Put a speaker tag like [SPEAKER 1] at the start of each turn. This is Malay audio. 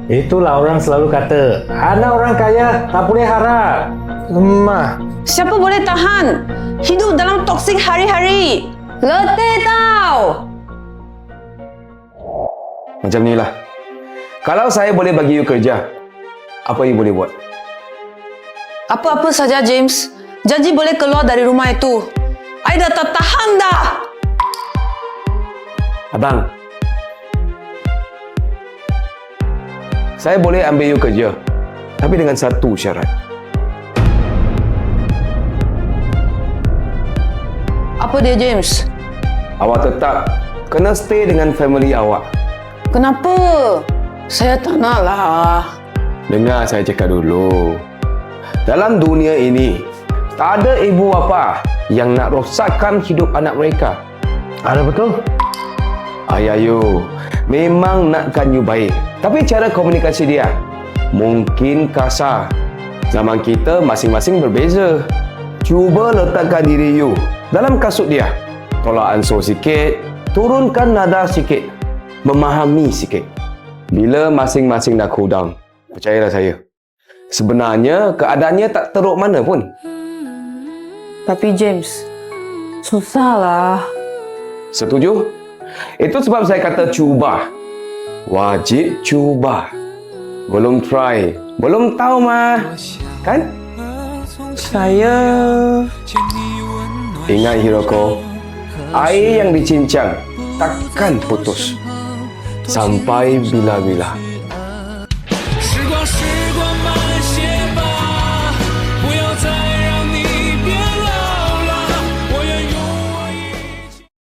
[SPEAKER 1] Itulah orang selalu kata, anak orang kaya tak boleh harap. Lemah.
[SPEAKER 2] Siapa boleh tahan hidup dalam toksik hari-hari? Letih tau.
[SPEAKER 3] Macam ni lah. Kalau saya boleh bagi you kerja, apa you boleh buat?
[SPEAKER 2] Apa-apa saja, James. Janji boleh keluar dari rumah itu. I dah tak tahan dah.
[SPEAKER 3] Abang, saya boleh ambil you kerja, tapi dengan satu syarat.
[SPEAKER 2] Apa dia, James?
[SPEAKER 3] Awak tetap kena stay dengan family awak.
[SPEAKER 2] Kenapa? Saya tak nak lah.
[SPEAKER 3] Dengar saya cakap dulu. Dalam dunia ini, tak ada ibu bapa yang nak rosakkan hidup anak mereka.
[SPEAKER 1] Ada betul?
[SPEAKER 3] Ayah you memang nakkan you baik, tapi cara komunikasi dia mungkin kasar. Zaman kita masing-masing berbeza. Cuba letakkan diri you dalam kasut dia. Tolak ansur sikit, turunkan nada sikit, memahami sikit. Bila masing-masing dah cool down, percayalah saya, sebenarnya keadaannya tak teruk mana pun.
[SPEAKER 2] Tapi James, susahlah.
[SPEAKER 3] Setuju? Itu sebab saya kata cuba. Wajib cuba. Belum try, belum tahu mah. Kan?
[SPEAKER 2] Saya...
[SPEAKER 3] Ingat Hiroko, air yang dicincang takkan putus sampai bila-bila.